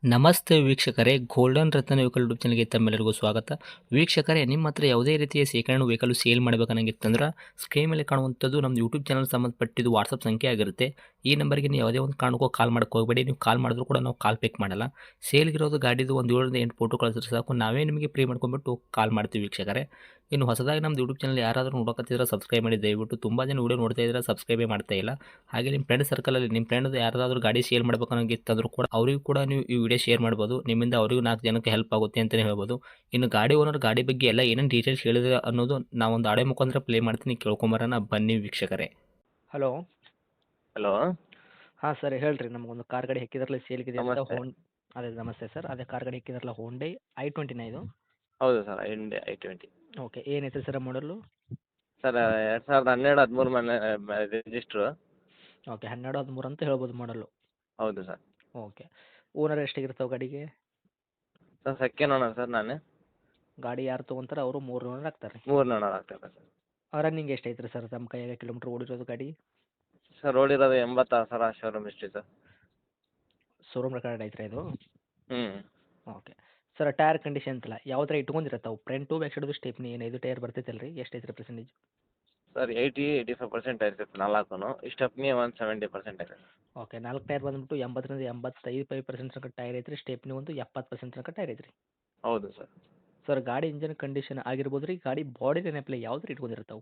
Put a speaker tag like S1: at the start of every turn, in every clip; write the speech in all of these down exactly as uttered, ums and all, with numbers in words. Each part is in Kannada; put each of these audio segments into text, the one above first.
S1: ನಮಸ್ತೆ ವೀಕ್ಷಕರೇ, ಗೋಲ್ಡನ್ ರತ್ನ ವೆಹಿಕಲ್ ಯೂಟ್ಯೂಬ್ ಚಾನಲ್ಗೆ ತಮ್ಮೆಲ್ಲರಿಗೂ ಸ್ವಾಗತ. ವೀಕ್ಷಕರೇ, ನಿಮ್ಮ ಹತ್ರ ಯಾವುದೇ ರೀತಿಯ ಶೇಖರಣೆ ವೆಹಿಕಲ್ ಸೇಲ್ ಮಾಡಬೇಕನ್ನಂಗಿತ್ತಂದ್ರೆ ಸ್ಕ್ರೀನ್ ಮೇಲೆ ಕಾಣುವಂಥದ್ದು ನಮ್ಮ ಯೂಟ್ಯೂಬ್ ಚಾನಲ್ ಸಂಬಂಧಪಟ್ಟಿದ್ದು ವಾಟ್ಸಪ್ ಸಂಖ್ಯೆ ಆಗಿರುತ್ತೆ. ಈ ನಂಬರ್ಗೆ ನೀವು ಯಾವುದೇ ಒಂದು ಕಾರಣಕ್ಕೂ ಕಾಲ್ ಮಾಡಕ್ಕೆ ಹೋಗಬೇಡಿ. ನೀವು ಕಾಲ್ ಮಾಡಿದ್ರು ಕೂಡ ನಾವು ಕಾಲ್ ಪಿಕ್ ಮಾಡಲ್ಲ. ಸೇಲ್ಗಿರೋದು ಗಾಡಿದು ಒಂದು ಏಳರಿಂದ ಎಂಟು ಫೋಟೋ ಕಳಿಸಿದ್ರೆ ಸಾಕು, ನಾವೇ ನಿಮಗೆ ಪ್ರೀ ಮಾಡ್ಕೊಂಡ್ಬಿಟ್ಟು ಕಾಲ್ ಮಾಡ್ತೀವಿ ವೀಕ್ಷಕರೇ. ಇನ್ನು ಹೊಸದಾಗಿ ನಮ್ಮದು ಯೂಟ್ಯೂಬ್ ಚಾನಲ್ ಯಾರಾದರೂ ನೋಡೋಕತ್ತಿದ್ರೆ ಸಬ್ಸ್ಕ್ರೈಬ್ ಮಾಡಿ ದಯವಿಟ್ಟು. ತುಂಬ ಜನ ವೀಡಿಯೋ ನೋಡ್ತಾ ಇದ್ದಾರೆ, ಸಬ್ಸ್ಕ್ರೈಬೇ ಮಾಡ್ತಾ ಇಲ್ಲ. ಹಾಗೆ ನಿಮ್ಮ ಫ್ರೆಂಡ್ ಸರ್ಕಲಲ್ಲಿ ನಿಮ್ಮ ಫ್ರೆಂಡ್ ಯಾರಾದರೂ ಗಾಡಿ ಸೇಲ್ ಮಾಡಬೇಕನ್ನೋಂಗಿತ್ತಂದ್ರೂ ಕೂಡ ಅವರಿಗೂ ಕೂಡ ನೀವು ಈ ವಿಡಿಯೋ ಶೇರ್ ಮಾಡ್ಬೋದು. ನಿಮ್ಮಿಂದ ಅವರಿಗೂ ನಾಲ್ಕು ಜನಕ್ಕೆ ಹೆಲ್ಪ್ ಆಗುತ್ತೆ ಅಂತಲೇ ಹೇಳ್ಬೋದು. ಇನ್ನು ಗಾಡಿ ಓನರ್ ಗಾಡಿ ಬಗ್ಗೆ ಎಲ್ಲ ಏನೇನು ಡೀಟೇಲ್ಸ್ ಹೇಳಿದ್ರೆ ಅನ್ನೋದು ನಾವೊಂದು ಆಡೆ ಮುಖಾಂತರ ಪ್ಲೇ ಮಾಡ್ತೀನಿ, ಕೇಳ್ಕೊಂಬರೋಣ ಬನ್ನಿ ವೀಕ್ಷಕರೇ.
S2: ಹಲೋ.
S3: ಹಲೋ.
S2: ಹಾಂ ಸರ್, ಹೇಳ್ರಿ. ನಮಗೊಂದು ಕಾರ್ ಗಾಡಿ ಹಾಕಿದ್ರಲ್ಲ ಸೇಲ್ಗಿದೆ ಅಂತ.
S3: ನಮಸ್ತೆ.
S2: ಹೋನ್ ಅದೇ ನಮಸ್ತೆ ಸರ್. ಅದೇ ಕಾರ್ ಗಾಡಿ ಹಾಕಿದ್ರಲ್ಲ, ಹೋಂಡೈ ಐ ಟ್ವೆಂಟಿನ ಇದು?
S3: ಹೌದು sir, I I twenty.
S2: Okay, ಏನೈತೆ ಸರ್ ಮಾಡಲು?
S3: ಸರ್ ಎರಡು ಸಾವಿರದ ಹನ್ನೆರಡು ಹದಿಮೂರು ಮನೆ ರಿಜಿಸ್ಟ್ರು.
S2: ಓಕೆ, ಹನ್ನೆರಡು ಹದಿಮೂರು ಅಂತ ಹೇಳ್ಬೋದು ಮಾಡಲು.
S3: ಹೌದು ಸರ್.
S2: ಓಕೆ, ಓನರ್ ಎಷ್ಟಾಗಿರ್ತಾವೆ ಗಾಡಿಗೆ?
S3: ಸರ್ ಸೆಕೆಂಡ್ ಓನರ್ ಸರ್ ನಾನು.
S2: ಗಾಡಿ ಯಾರು ತೊಗೊಂತಾರೆ ಅವರು ಮೂರು ಓನರ್ ಆಗ್ತಾರೆ.
S3: ಮೂರು ಓನರ್ ಆಗ್ತದೆ ಸರ್.
S2: ರನ್ನಿಂಗ್ ಎಷ್ಟೈತ್ರಿ ಸರ್ ನಮ್ಮ ಕೈಯಾಗ ಕಿಲೋಮೀಟ್ರ್ ಓಡಿರೋದು ಗಾಡಿ?
S3: ಸರ್ ಓಡಿರೋದು ಎಂಬತ್ತಾರು ಸಾವಿರ showroom history sir.
S2: Showroom record ಐತ್ರಿ ಇದು?
S3: ಹ್ಞೂ.
S2: ಓಕೆ ಸರ್, ಟೈರ್ ಕಂಡೀಷನ್ ಅಂತಲ್ಲ ಯಾವ ಥರ ಇಟ್ಕೊಂಡಿರತ್ತಾವೆ? ಫ್ರಂಟು ಬ್ಯಾಕ್ ಸೈಡ್ದು ಸ್ಟೆಪ್ನಿ ಏನು ಐದು ಟೈರ್ ಬರ್ತೈತಲ್ಲ ರೀ, ಎಷ್ಟೈತ್ರಿ percentage?
S3: Sir eighty eighty five percent ಇರ್ತೈತೆ ನಾಲ್ಕು. ಸ್ಟೆಪ್ನಿ ಒಂದು ಸೆವೆಂಟಿ ಪರ್ಸೆಂಟ್ ಇರ್ತೈತೆ.
S2: ಓಕೆ, ನಾಲ್ಕು ಟೈರ್ ಬಂದ್ಬಿಟ್ಟು ಎಂಬತ್ತರಿಂದ ಎಂಬತ್ತೈದು ಫೈವ್ ಪರ್ಸೆಂಟ್ ತನಕ ಟೈರ್ ಐತ್ರಿ. ಸ್ಟೆಪ್ನಿ ಒಂದು ಎಪ್ಪತ್ತು ಪರ್ಸೆಂಟ್ ತನಕ ಟೈರ್ ಐತ್ರಿ.
S3: ಹೌದು ಸರ್.
S2: ಸರ್ ಗಾಡಿ ಇಂಜನ್ ಕಂಡೀಷನ್ ಆಗಿರ್ಬೋದು ರೀ, ಗಾಡಿ ಬಾಡಿ ನೆನಪಲೆ ಯಾವ ಥರ ಇಟ್ಕೊಂಡಿರ್ತಾವೆ?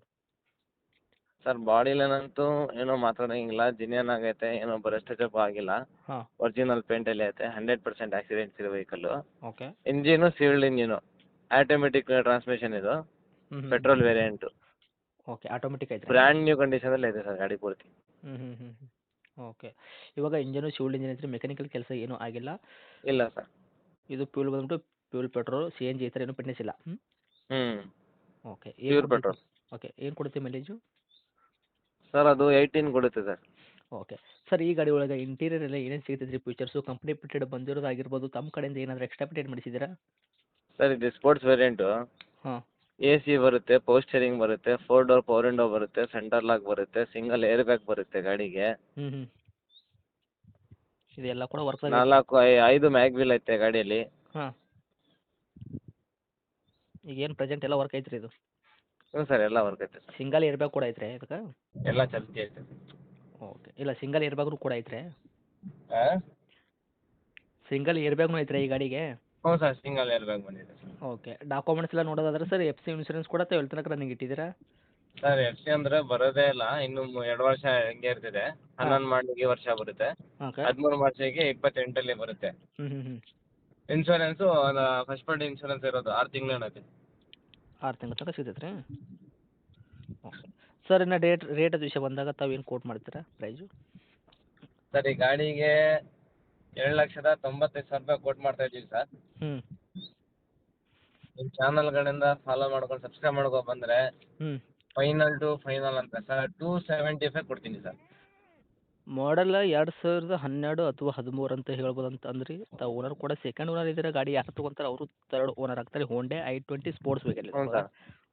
S3: ಸರ್ ಬಾಡಿಲೇನಂತೂ ಏನೋ ಮಾತಾಡೋಂಗಿಲ್ಲ, ಜಿನಿಯನ್ ಆಗೈತೆ, ಏನೋ ಬರಸ್ಟ್ ಟಚಪ್ ಆಗಿಲ್ಲ.
S2: ಹಾಂ.
S3: ಒರಿಜಿನಲ್ ಪೇಂಟಲ್ಲಿ ಐತೆ, ಹಂಡ್ರೆಡ್ ಪರ್ಸೆಂಟ್ ಆಕ್ಸಿಡೆಂಟ್ಸ್ ಇರೋ vehicle.
S2: Okay.
S3: Engine sealed engine, automatic transmission ಇದು,
S2: ಹ್ಞೂ
S3: ಪೆಟ್ರೋಲ್ ವೇರಿಯಂಟು.
S2: ಓಕೆ, ಆಟೋಮೆಟಿಕ್ ಐತೆ.
S3: ಬ್ರ್ಯಾಂಡ್ ನ್ಯೂ ಕಂಡೀಷನಲ್ಲಿ ಇದೆ ಸರ್ ಗಾಡಿ ಪೂರ್ತಿ.
S2: ಹ್ಞೂ ಹ್ಞೂ ಹ್ಞೂ ಓಕೆ, ಇವಾಗ ಇಂಜನು ಶಿವಲ್ಡ್ ಇಂಜಿನ್ ಐತ್ರಿ, ಮೆಕ್ಯಾನಿಕಲ್ ಕೆಲಸ ಏನೂ ಆಗಿಲ್ಲ.
S3: ಇಲ್ಲ ಸರ್.
S2: ಇದು ಫ್ಯೂಲ್ ಬಂದ್ಬಿಟ್ಟು fuel petrol C N G ಈ ಥರ ಏನೂ ಫಿಟ್ನೆಸ್ ಇಲ್ಲ. ಹ್ಞೂ
S3: ಹ್ಞೂ.
S2: Okay,
S3: pure petrol.
S2: ಓಕೆ, ಏನು ಕೊಡುತ್ತೆ ಮೈಲೇಜು?
S3: ಸರ್ ಅದು ಏಯ್ಟೀನ್ ಕೊಡುತ್ತೆ ಸರ್.
S2: ಓಕೆ ಸರ್, ಈ ಗಾಡಿ ಒಳಗೆ ಇಂಟೀರಿಯರ್ ಎಲ್ಲ ಏನೇನು ಸಿಗ್ತೈತೆ ರೀ ಫೀಚರ್ಸು? ಕಂಪ್ನಿ ಪಿಟೆಡ್ ಬಂದಿರೋದು ಆಗಿರ್ಬೋದು, ತಮ್ಮ ಕಡೆಯಿಂದ ಏನಾದರೂ ಎಕ್ಸ್ಟ್ರಾ ಪಿಟೆಡ್ ಮಾಡಿಸಿದ್ದೀರಾ?
S3: ಸರ್ ಇದು ಸ್ಪೋರ್ಟ್ಸ್ ವೇರಿಯಂಟು.
S2: ಹಾಂ.
S3: ಎ ಸಿ ಬರುತ್ತೆ, ಪವರ್ ಸ್ಟೇರಿಂಗ್ ಬರುತ್ತೆ, ಫೋರ್ ಡೋರ್ ಪವರ್ ವಿಂಡೋ ಬರುತ್ತೆ, ಸೆಂಟರ್ ಲಾಕ್ ಬರುತ್ತೆ, ಸಿಂಗಲ್ ಏರ್ ಬ್ಯಾಗ್ ಬರುತ್ತೆ ಗಾಡಿಗೆ.
S2: ಹ್ಞೂ ಹ್ಞೂ ಇದೆಲ್ಲ ಕೂಡ ವರ್ಕ್
S3: ನಾಲ್ಕು ಐ ಐದು ಮ್ಯಾಗ್ ವೀಲ್ ಐತೆ ಗಾಡಿಯಲ್ಲಿ.
S2: ಹಾಂ. ಈಗ ಏನು ಪ್ರೆಸೆಂಟ್ ಎಲ್ಲ ವರ್ಕ್ ಐತ್ರಿ ಇದು?
S3: ಹ್ಞೂ ಸರ್, ಎಲ್ಲ ವರ್ಕ್ ಐತೆ ಸರ್.
S2: ಸಿಂಗಲ್ ಏರ್ ಬ್ಯಾಗ್ ಕೂಡ ಐತ್ರಿ ಇದಕ್ಕೆ?
S3: ಎಲ್ಲ ಚಲ್ತಿ ಐತೆ.
S2: ಓಕೆ, ಇಲ್ಲ ಸಿಂಗಲ್ ಏರ್ ಬ್ಯಾಗ್ನು ಕೂಡ ಐತ್ರಿ?
S3: ಹಾಂ.
S2: ಸಿಂಗಲ್ ಏರ್ ಬ್ಯಾಗ್ನು ಐತ್ರಿ ಈ ಗಾಡಿಗೆ?
S3: ಹ್ಞೂ ಸರ್, ಸಿಂಗಲ್ ಏರ್ ಬ್ಯಾಗ್ ಬಂದಿದೆ ಸರ್.
S2: ಓಕೆ, ಡಾಕ್ಯುಮೆಂಟ್ಸ್ ಎಲ್ಲ ನೋಡೋದಾದ್ರೆ ಸರ್ ಎಫ್ ಸಿ ಇನ್ಶೂರೆನ್ಸ್ ಕೂಡ ತಾವು ಎಲ್ಲಿ ತನಕ ರನ್ನಿಂಗ್ ಇಟ್ಟಿದ್ದೀರಾ?
S3: ಸರ್ ಎಫ್ ಸಿ ಅಂದರೆ ಬರೋದೇ ಇಲ್ಲ, ಇನ್ನು ಎರಡು ವರ್ಷ ಹೆಂಗೆ ಇರ್ತಿದೆ. ಹನ್ನೊಂದು ಮಾಡಲಿಗೆ ವರ್ಷ ಬರುತ್ತೆ,
S2: ಓಕೆ.
S3: ಹದಿಮೂರು ಮಾರ್ಚಿಗೆ ಇಪ್ಪತ್ತೆಂಟಲ್ಲಿ ಬರುತ್ತೆ.
S2: ಹ್ಞೂ ಹ್ಞೂ ಹ್ಞೂ
S3: ಇನ್ಶೂರೆನ್ಸು ಫಸ್ಟ್ ಪಾರ್ಟಿ ಇನ್ಶೂರೆನ್ಸ್ ಇರೋದು ಆರು ತಿಂಗಳು ಐತೆ.
S2: ಆರು ತಿಂಗಳ ತನಕ ಸಿಗ್ತೈತೆ ರೀ? ಓಕೆ ಸರ್, ಇನ್ನು ಡೇಟ್ ರೇಟ್ ಅದು ವಿಷಯ ಬಂದಾಗ ತಾವು ಏನು ಕೋಟ್ ಮಾಡ್ತೀರಾ ಪ್ರೈಸು?
S3: ಸರ್ ಈ ಗಾಡಿಗೆ ಏಳು ಲಕ್ಷದ ತೊಂಬತ್ತೈದು ಸಾವಿರ ರೂಪಾಯಿ ಕೋಟ್ ಮಾಡ್ತಾ ಇದ್ದೀವಿ ಸರ್.
S2: ಹ್ಞೂ
S3: ನಿಮ್ಮ ಚಾನಲ್ಗಳಿಂದ ಫಾಲೋ ಮಾಡ್ಕೊಂಡು ಸಬ್ಸ್ಕ್ರೈಬ್ ಮಾಡ್ಕೊಂಡು ಬಂದರೆ
S2: ಹ್ಞೂ
S3: ಫೈನಲ್ ಟು ಫೈನಲ್ ಅಂತ ಸರ್ ಟೂ ಸೆವೆಂಟಿ ಫೈವ್ ಕೊಡ್ತೀನಿ ಸರ್.
S2: ಮಾಡಲ್ ಎರಡು ಸಾವಿರದ ಹನ್ನೆರಡು ಅಥವಾ ಹದಿಮೂರು ಅಂತ ಹೇಳ್ಬೋದು ಅಂತ ಅಂದ್ರಿ. ತಾವು ಓನರ್ ಕೂಡ ಸೆಕೆಂಡ್ ಓನರ್ ಇದ್ದೀರಾ. ಗಾಡಿ ಯಾರು ತೊಗೊಂತಾರೆ ಅವರು ತರ್ಡ್ ಓನರ್ ಆಗ್ತಾರೆ. Hyundai I twenty sports vehicle
S3: ಹ್ಞೂ ಸರ್.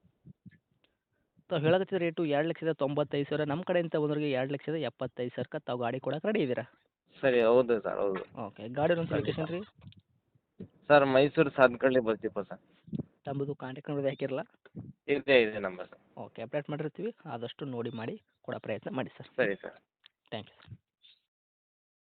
S2: ತಾವು ಹೇಳಕತ್ತಿದ ರೇಟು ಎರಡು ಲಕ್ಷದ ತೊಂಬತ್ತೈದು ಸಾವಿರ. ನಮ್ಮ ಕಡೆಯಿಂದ ಬಂದವರಿಗೆ ಎರಡು ಲಕ್ಷದ ಎಪ್ಪತ್ತೈದು ಸಾವಿರಕ್ಕೆ ತಾವು ಗಾಡಿ ಕೊಡಕ್ಕೆ ರೆಡಿ ಇದ್ದೀರಾ?
S3: ಸರಿ, ಹೌದು ಸರ್, ಹೌದು.
S2: ಓಕೆ, ಗಾಡಿ ಒಂದು ಲೊಕೇಶನ್ ರೀ?
S3: ಸರ್ ಮೈಸೂರು ಸಾಧನಕಳ್ಳಿ ಬರ್ತೀಪ ಸರ್.
S2: ತಮ್ಮದು ಕಾಂಟ್ಯಾಕ್ಟ್ ನಂಬರ್ ಹಾಕಿರಲ್ಲ?
S3: ಇದೇ ಇದೆ ನಂಬರ್ ಸರ್.
S2: ಓಕೆ, ಅಪ್ಡೇಟ್ ಮಾಡಿರ್ತೀವಿ. ಆದಷ್ಟು ನೋಡಿ ಮಾಡಿ ಕೊಡೋ ಪ್ರಯತ್ನ ಮಾಡಿ ಸರ್.
S3: ಸರಿ ಸರ್.
S2: Thank you sir.